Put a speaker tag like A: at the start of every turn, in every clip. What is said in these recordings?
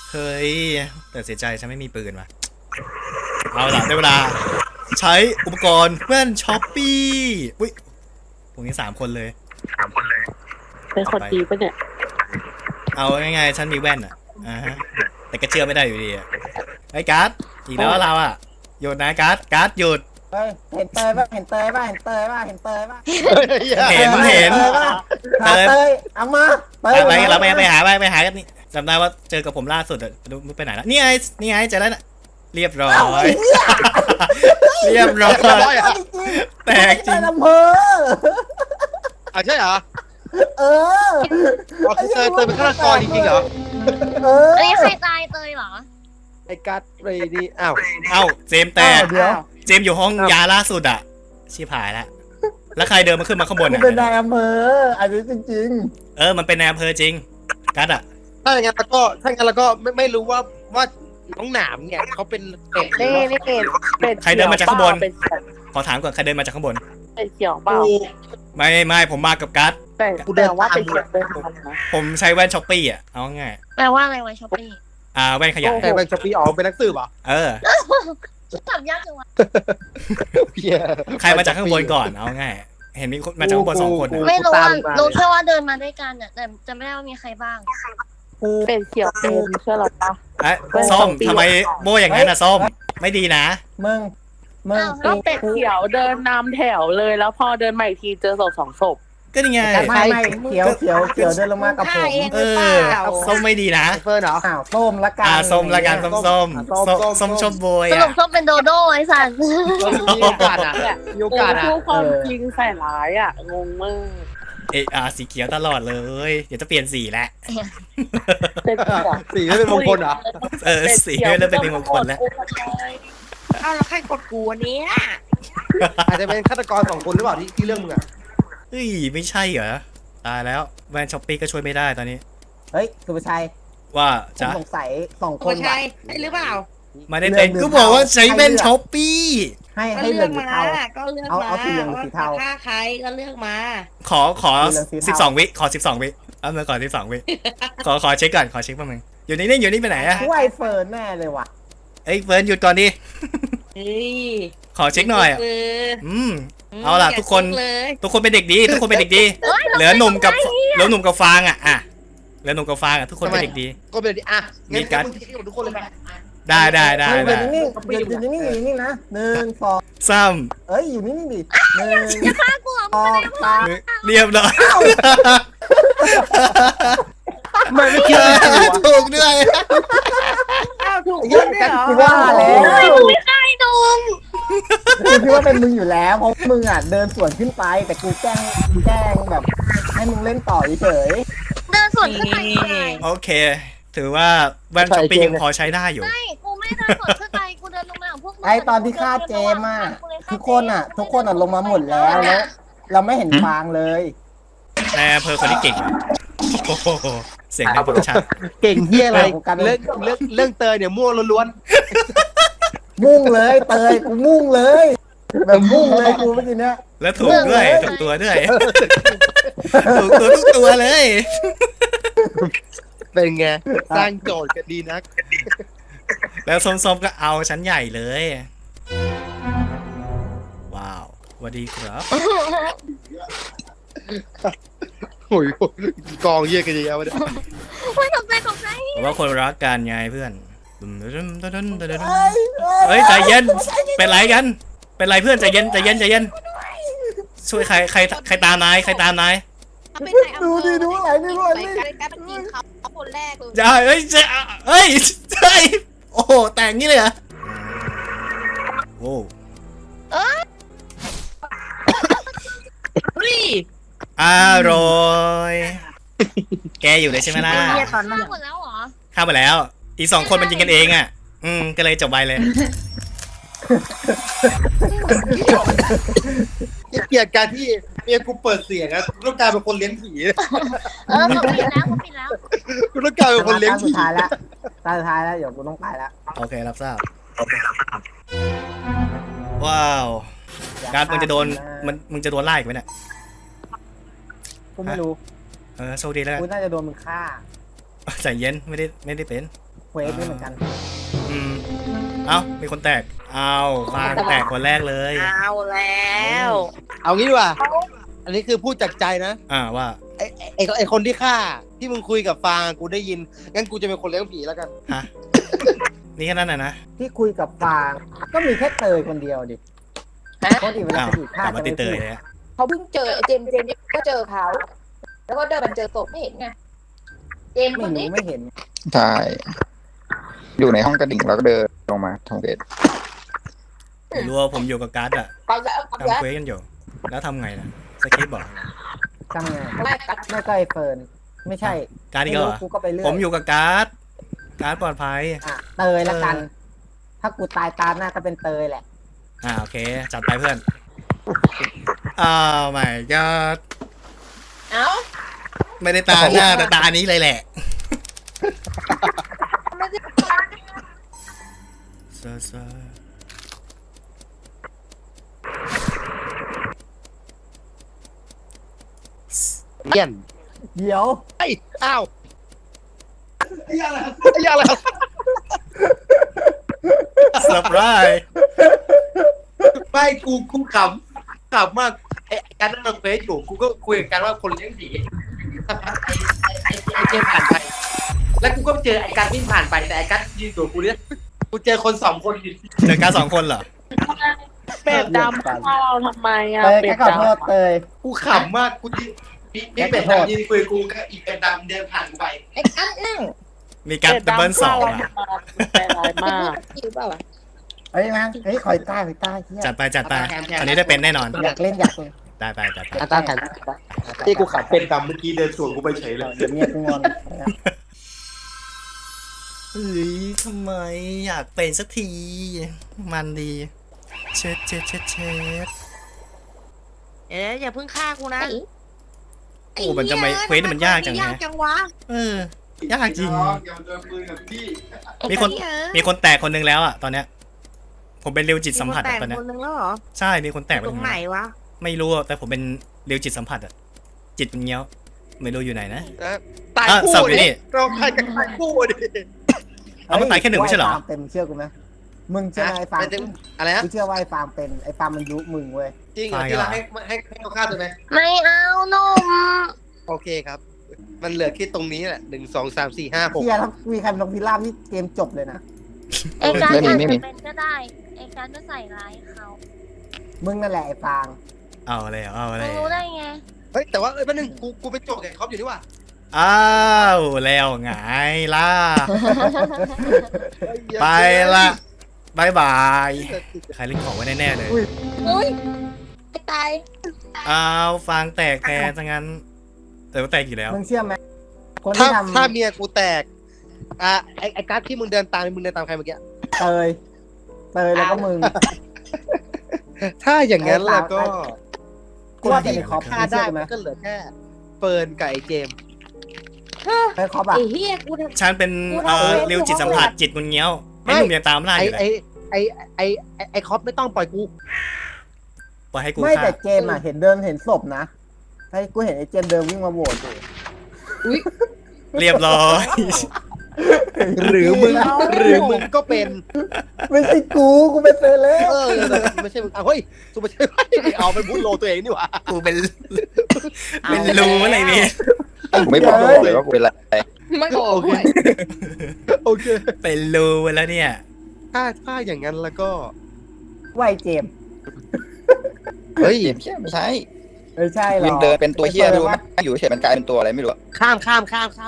A: เฮ้ยแต่เสียใจฉันไม่มีปืนว่ะเอาล่ะได้เวลาใช้อุปกรณ์แว่นช้อปปี้อุ้ยพวกนี้3 คนเลย
B: เป็นคนดีปะเนี่ย
A: เอาง่ายๆฉันมีแว่นอ่ะฮะแต่ก็เชื่อไม่ได้อยู่ดีอ่ะไอ้การ์ดอีกแล้วเราอ่ะหยุดนะการ์ดหยุด
C: เฮ้ยเห็นเตยป่ะเห็นเตยป่ะเห็นเตยป่ะเห็นเตยป่ะ
A: เห็น
C: เตยป่ะหาเตยเอามาเตย
A: ไปเราไปหากันนี่จำได้ว่าเจอกับผมล่าสุดอะดูไปไหนแล้วนี่ไงเจอแล้วน่ะเรียบร้อยเรียบร้อยแตกจริง
C: อำเภอ
D: ใช่เหรอ
C: เออ
D: คือเตยเป็นฆาตกรจริงๆเหรอ
C: เออ
E: อันนี้ใครตายเตยเหรอ
D: ไอ้กัดเรนี่อ้าว
A: เอ้าเจมส์แตก
C: เดี๋ยว
A: เจมส์อยู่ห้องยาล่าสุดอะชิบหายแล้วแล้วใครเดินมาขึ้นมาข้างบน
C: กู
A: อะ
C: เป็นนายอำเภออันนี้จริง
A: มันเป็นนายอำเภอจริงกัดอะ
D: ถ้าอย่างนั้นเราก็ไม่รู้ว่าน้องหนามเนี่ยเขาเป็นเป็ด
B: นี่เป็น
A: ใครเดินมาจากข้างบน
B: เป็น
A: ขอถามก่อนใครเดินมาจากข้างบน
B: เขียวเปล่า
A: ไม่ผมมากับกัด
B: แต่ว่าเป็นเขียวเป็นทำนะ
A: ผมใช้แว่นช้อปปี้อะเอาง่าย
E: แปลว่าอะไรวะช้อปปี้
A: แว่นขยาย
D: แต่เป็นช้อปปี้อ๋อเป็นนักสืบเหรอ
E: ถามยากจังวะ
A: ใครมาจากข้างบนก่อนเอาง่ายเห็นมีคนมาจากข้างบน2 คนอะ
E: ไม่รู้ว่ารู้แค่ว่าเดินมาด้วยกันแต่จะไม่ได้ว่ามีใครบ้าง
C: ๆกู
B: เป็นเขียวเป็นเชื่อหรอปะ
A: ส้มทำไมโบอย่างนั้นนะส้มไม่ดีนะ
C: มึง
B: ก็เป็ดเขียวเดินนำแถวเลยแล้วพอเดินมาอีกทีเจอศพ2 ศพ
A: ก็นี่ไง
C: ไม่เขียวเดินลงมากับผม
A: ส้มไม่ดีนะ
D: เฟิร์นเหรอ
C: อ้าวส้มละกัน
A: ส้มละกันส้มชอบโบย
E: สรุปส้มเป็นโดโด้ไอ้สัน
D: มีโอกาสอ่ะมีโอกาสอ่ะ
B: พูดความจริงใส่ร้ายอ่ะงงมาก
A: สีเขียวตลอดเลยเดี๋ยวจะเปลี่ยนสีแล้ว
B: เป็นเขียว
D: สีไม่เป็นมงคลเหรอ
A: สีเริ่มเป็นมงคลแล้ว
F: อ้าวแล้วใครกดกูวันนี้
D: อาจจะเป็นฆาตกร2 คนหรือเปล่าที่เรื่องมึงอ่ะ
A: เฮ้ยไม่ใช่เหรอตายแล้วแวนช้อปปี้ก็ช่วยไม่ได้ตอนนี้
C: เฮ้ยสุภาชัย
A: ว่า
C: ผม
A: จะ
C: สงสัย2 ค
F: โอ้
C: น
F: ใช่ได้หรือเปล่า
A: ไม่ได้เป็นก็บอกว่าใช้แว่นช้อปปี้
C: ให้
F: ก็
C: ให้
F: เลื
C: เรื่
F: อ
C: อก ง
F: มา
C: เทา
F: ก็เลือก
C: เอา
F: มา
C: เอาสีเหลืองหรือสีเทา
F: ถ้าใครก็เลือกมา
A: ขอ12 วิขอ12 วิเอามาก่อน12 วิขอเช็คก่อนขอเช็คแป๊บนึงอยู่นี่ไปไหนอะ
C: กูไอเฟิร์นแน่เลยว่ะ
A: เอ้ยเฟิร์นหยุดก่อนดิ
F: เฮ้ย
A: ขอเช็คหน่อยอะเอาล่ะทุกคน
F: เลย
A: ทุกคนเป็นเด็กดีทุกคนเป็นเด็กดีเหลือหนุ่มกับฟางอ่ะเหลือหนุ่มกับฟางอ่ะทุกคนเป็นเด็กดี
D: ก็เป็นอ่ะ
A: มีการ
D: มึงทิ้งหมดทุกคนเลย
A: ได้
C: อยู่นิ่งๆอยู่นิ่งๆนะ1 2
A: ซ้
C: เอ้ยอยู่นิ่งๆดิ1 2 3
A: ำเรียบร้อย
D: ไม่คิดเลย
A: ถูกด้วย
F: อ้าวถูก
C: เยอะกันกูว่าแล้ว
E: ไม่ใช่ดง
C: กูคิดว่าเป็นมึงอยู่แล้วเพราะมึงอ่ะเดินสวนขึ้นไปแต่กูแกล้งแบบให้มึงเล่นต่อเฉย
E: เดินสวนขึ้นไปไง
A: โอเค ถือว่าแว่นช้อปปี้ยังพอใช้ได้อยู่
E: ไม่กูไม่ได้เดินสวนขึ้นไปกูเดินลงมาของพวกมึง
C: ไอตอนที่ฆ่าเจมอ่ะทุกคนลงมาหมดแล้วเราไม่เห็นฟางเลย
A: ในอำเภอคนที่เก่งโอ้โหเสียงดังชัด
D: เก่งเฮียอะไรเรื่องเตยเนี่ยมั่วล้วน
C: มุ่งเลยเตยกูมุ่งเลยแบบมุ่งเลยกูเมื่อกี้เนี้ย
A: แล้วถูกด้วยถูกตัวด้วยถูกตัวทุกตัวเลย
D: ๆเป็นไงสร้างโจทย์กันดีนัก
A: แล้วส้มๆก็เอาชั้นใหญ่เลย ว้าวสวัสดีครับ
D: โอ้ยกองเยี่ยกันเยอะๆวะเนี่ย
E: ไม่ตกใจตกใจ
A: ผมว่าคนรักกันไงเพื่อนเฮ้ยใจเย็นเป็นไรกันเป็นไรเพื่อนใจเย็นช่วยใครตามนาย
F: เขาเป็นนายอำเภอ
C: ดูดิดูอะไรนี่ดูอะไร
F: ไป
C: นี่
F: การยิงเขาคนแรกเลย
A: จะเฮ้ยโอ้โหแต่งงี้เลยเหรอโอ้
F: เฮ้ย
A: อร่อยแกอยู่เลยใช่ไหมล่ะ
E: ฆ่าหมดแล้วเหรอ
A: ข้ามไปแล้วอีก2 คนมันยิงกันเองอ่ะก็เลยจบไปเลย
D: เกลียดการที่เมียกูเปิดเสียงอะต้องกลายเป็นคนเลี้ยงผี
E: เขาปิดแล้ว
D: กูต้องกลายเป็นคนเลี้ยง
C: ตาสุ
D: ผี
C: ดท้ายแล้วตาสุดท้ายแล้วเดี๋ยวกูต้องไปแล้ว
A: โอเครับทราบว้าวการมึงจะโดนมึงจะโดนไล่อีกไหมเนี่ย
C: กูไม่รู้
A: โชคดีแล้วกัน
C: กูน่าจะโดนมึงฆ่า
A: ใจเย็นไม่ได้เป็น
C: เควสนี่เหมือนกัน
A: อืมเอ้ามีคนแตกเอาฟางแตกคนแรกเลย
F: เอาแล้ว
D: เอางี้ดีกว่า อันนี้คือพูดจากใจนะ
A: ว่า
D: ไอคนที่ฆ่าที่มึงคุยกับฟางกูได้ยินงั้นกูจะเป็นคนเลี้ยงผีแล้วกัน
A: ฮะนี่แค่นั้นนะ
C: ที่คุยกับฟางก็มีแค่เตยคนเดียวดิปกติเวลา
A: อ้าว
C: คนอื่น
A: ก
C: ฆ่า
A: ลับมา
C: จะ
A: ติ
C: ไม่
A: ดเต
C: พู
A: ย
C: ด
A: เลยอะ
G: เขาเพิ่งเจอไอ้เจมส์ก็เจอเขา แล้วก็เดินมาเจอศพไม่เห็นไง เจมส์ค
C: ไม่
G: น
C: รู้
G: นี้
C: ไม่เห็น
H: ใช่อยู่ในห้องกระดิ่งแล้วก็เดินลงมาทางเวท
A: ผมรู้ว่าผมอยู่กับการ์ดอะ
G: ไปแล้วไป
A: ทำ
G: แล้ว
A: เควสกันอยู่แล้วทำไงนะสคริปต์บอก
C: ทำไง
G: ไม่กัด
C: ไม่ก็ไอเฟิร์นไม่ใช่
A: การ์ดอีกแล้วเหรอ
C: กูก็ไปเรื่อย
A: ผมอยู่กับการ์ดปลอดภัย
C: อ่ะเตยละกัน ถ้ากูตายตามหน้าก็เป็นเตยแหละ
A: โอเคจัดไปเพื่อนอ้าวไม่ก็
G: เอ้า
A: ไม่ได้ตาหน้าแต่ตานี้เลยแหละ
G: ไม่ได้
A: ซา
D: เยี่ยน
C: เดี๋ยว
D: ไอ้ยอ้าวไอ้ยอะไรไอ้ยอะไร
A: เซอร์ไพรส์
D: ไม่กูขำมากไอ้การนั่งลงเฟซอยู่กูก็คุยกับการว่าคนเลี้ยงผีสักพักไอ้เจมผ่านไป แล้วกูก็เจอไอ้การวิ่งผ่านไปแต่ไอ้การยืนตัวกูเนี่ยกูเจอคนสองคนอยู่
A: เจอการ์ด2 คนเหรอ
B: เป็ดดำฆ่าเราทำไมอ่ะ
C: เตย
B: เป็
C: แค่
B: ด
C: ขอโทษ
B: ดำ
C: เตย
D: กูขำมากกูยืนพี่เป็ดดำยืนคุยกูกับอีเป็ดดำเดินผ่านกูไป
G: ไอ้กัดนั่ง
A: มีการ์ดดับเบิล2
B: ฆ่าเรา
A: อะ
B: ทำไมใจร้ายมาก
G: อยู่เปล่าวะ
C: เฮ้ยนะเฮ้ยคอยใต้เฮีย
A: จัดไปอันนี้ได้เป็นแน่นอน
C: อยากเล่น
A: ได้ไปจัดไป
D: อาตาแทนที่กูขับเป็นดำเมื่อกี้เดินสวนกูไปเฉยเลย
C: เดี๋ยวเมียกูงอน
A: เฮ้ยทำไมอยากเป็นสักที มันดีเช็ด
F: อย่าเพิ่งฆ่ากูนะ
A: โอ้มันจะไม่เควสมันยากจัง
F: ยาก
A: นะ
F: จังวะ
A: ยากจริง มีคนแตกคนนึงแล้วอะตอนเนี้ย ผมเป็นเร็วจิตสัมผัส
F: แต่
A: อะตอนเนี้ย
F: คนนึงแล้วเหรอ
A: ใช่ มีคนแตก
F: ตรงไหนวะ
A: ไม่รู้อะแต่ผมเป็นเร็วจิตสัมผัสอะจิตมันเงี้ยว ไม่รู้อยู่ไหนนะ
D: ตาย
A: สับ
D: คู่
A: อยู่นี่
D: ดิเราใครกันตายคู่ดิ
A: เอามันตายแค่ 1ไม่ใช่เหรอ
C: ฟาร์มเป็นเชื่อกูไหมมึงเชื่อไหมไอ้ฟาร์ม
D: อะไรนะ
C: กูเชื่อว่าไอ้ฟาร์มเป็นไอ้ฟาร์มมันยุมึงเว้ย
D: จริงเหรอที่เราให้เขาฆ่าตัวไหม
E: ไม่เอาหนุ่ม
D: โอเคครับ มันเหลือแค่ตรงนี้แหละ1 2 3 4 5 6
C: เฮียถ้ามีใครเป็นนกพิราบนี่เกมจบเลยนะ
E: ไอ้การอาจจะเป็นก็ได้ไอ้การจะใส่ร้ายเขา
C: มึงนั่นแหละไอ้ฟาง
A: เอาอะไร
E: มึงรู้ได้ไง
D: เฮ้ยแต่ว่าแป๊บนึงกูไปโจกแกคอปอยู่นี่ว่ะ
A: อ้าวแล้วไงล่ะ ไปละบายบาย ใครเล่นของไว้แน่ๆเลย
G: อุ้ยไอ้ตาย
A: อ้าวฟางแตกแทนซะงั้นแต่ว่าแตกอยู่แล้ว
C: มึงเชื่อไหมคน
D: ถ้า
C: ที่ท
D: ถ้าเมียกูแตกไอ้การ์ดที่มึงเดินตามใครเมื่อกี้
C: ำเตยแล้วก็มึง
D: ถ้าอย่างนั้นแล้วก็
C: กูว่าเป็นไอ้คอป
D: ฆ่า
C: เชื่
D: ได้
C: อไหม
D: มันก็เหลือแค่เฟิร์นกับไอ้เจมส์
C: ไอ้คอปอะ
G: ไอ้เฮียกูท
A: ฉันเป็นเร็วจิตสัมผัสจิตมันเงี้ยวไอ้หนุ่มยังตามล่าอยู่เลย
D: ไอ้คอปไม่ต้องปล่อยกู
A: ปล่อยให้กู
C: ไม่
A: ฆ่า
C: แต่เจมอะเห็นศพนะไอ้กูเห็นไอ้เจมเดินวิ่งมาโหวตอยู่
A: เรียบร้อย
D: หรือมึงก็เป็น
C: ไม่ใช่กูเป็นเซเลบ
D: ไม่ใช่มึงเฮ้ยสุไม่ใช่เอาไปบูทโลตัวเองนี่หว่า
A: กูเป็นรู้อะไรเนี่ย
H: ผมไม่บอกเลยว่ากูเป็นอะไร
G: ำไม่บอกด้วย
D: โอเค
A: เป็นรู้แล้วเนี่ย
D: ถ้าอย่างนั้นแล้วก็
C: ว่าไอ้เจม
D: เฮ้ย
H: ไม่ใช่
C: ไม่ใช่หรอ
H: ยังเดินเป็นตัวเฮียดูไหมอยู่เฉยมันกลายเป็นตัวอะไรไม่รู้
D: ข้าม
A: มีข้าม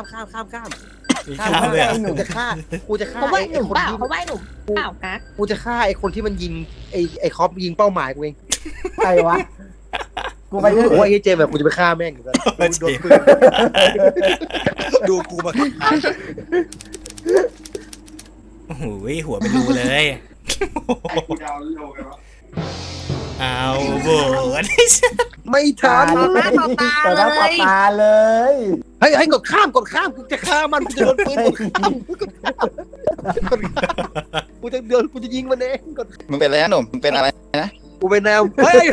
A: เลยเหรอ
D: กูจะฆ่า
G: เขาไหวห
D: ไอ้
G: นุ่ม
D: คน
G: เปล่า
D: ที่
G: เขาไหวหนุ่มเปล่ากัด
D: กูจะฆ่าไอ้คนที่มันยิงไอ้คอปยิงเป้าหมายกูเอง
C: ใครวะกูไปเรื่อย
D: โอ้ยไอ้เจมแบบกูจะไปฆ่าแม่งอยู่แล้วโดนปืนดูกูมา
A: โอ้โหหัวเป็นรูเลยเอาโบน
D: ไม่ทัน
C: ต่อหน้าต่อตาเลย
D: เฮ้ยกดข้ามกูจะฆ่ามันกูจะโดนปืนกดข้ามกูจะยิงมันเองกด
H: มึงเป็นอะไรนะหนุ่มมึงเป็นอะไรนะ
D: กูเป็นแนวเฮ้ย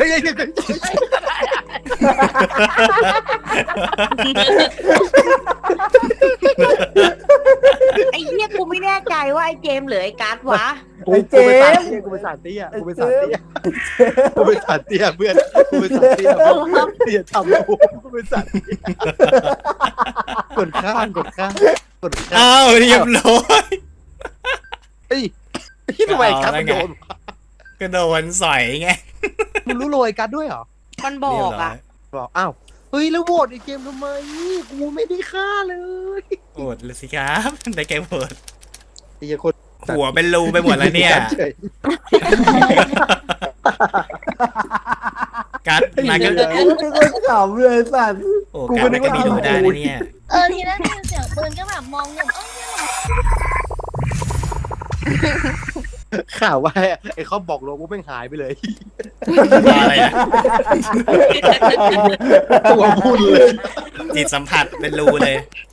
F: ไอ้เหี้ยกูไม่แน่ใจว่าไอ้เจมส์หรือไอ้การ์ดวะ
C: ไอ้เจมส์
I: กูเป็นสารเตี้ย
C: ไอ้
I: กูเป็น
C: เจ
I: สาร
C: ม
I: เตี้ย
C: ส์
I: กูเป็นสารเตี้ยเพื่อนกูเป็นสารเตี้ยเพื่อนอย่าทำกูเป็นสารเตี้ยกดข้างกดข้างกดข้าง
A: อ้าวเรียบร้อย
I: เฮ้ยที่ทำไมการมันโดน
A: ก็โดนสอยไง
I: มึงรู้โรยการด้วยเหรอ
F: มันบ
A: เรี
F: อย
A: บ
F: ก
A: ร้อ
F: อ่ะ
A: ย
I: บอกอ้าวเฮ้ยแล้วโหวตไอ้เกมทำไมกูไม่ได้ฆ่าเลย
A: โอดเลยสิครับได้แกโหวต
I: ไอ้คน
A: หัวเป็นรูไปหมดแล้วเนี่ย
I: เฉย
A: กัดนายก็
C: กูก็ขำเลยสัตว์
A: โอ้กัดนายก็มีดูได้นะเนี่ย
E: ทีแรกได้ยินเสียงปืนก็แบบมองอยู่เนี่ยเหรอ
I: ข่าวว่าไอ้เขาบอกโลกูแม่งหายไปเลย
A: อะไรอะ
I: ตัวพุ่นเลย
A: จิตสัมผัสเป็นรูเลย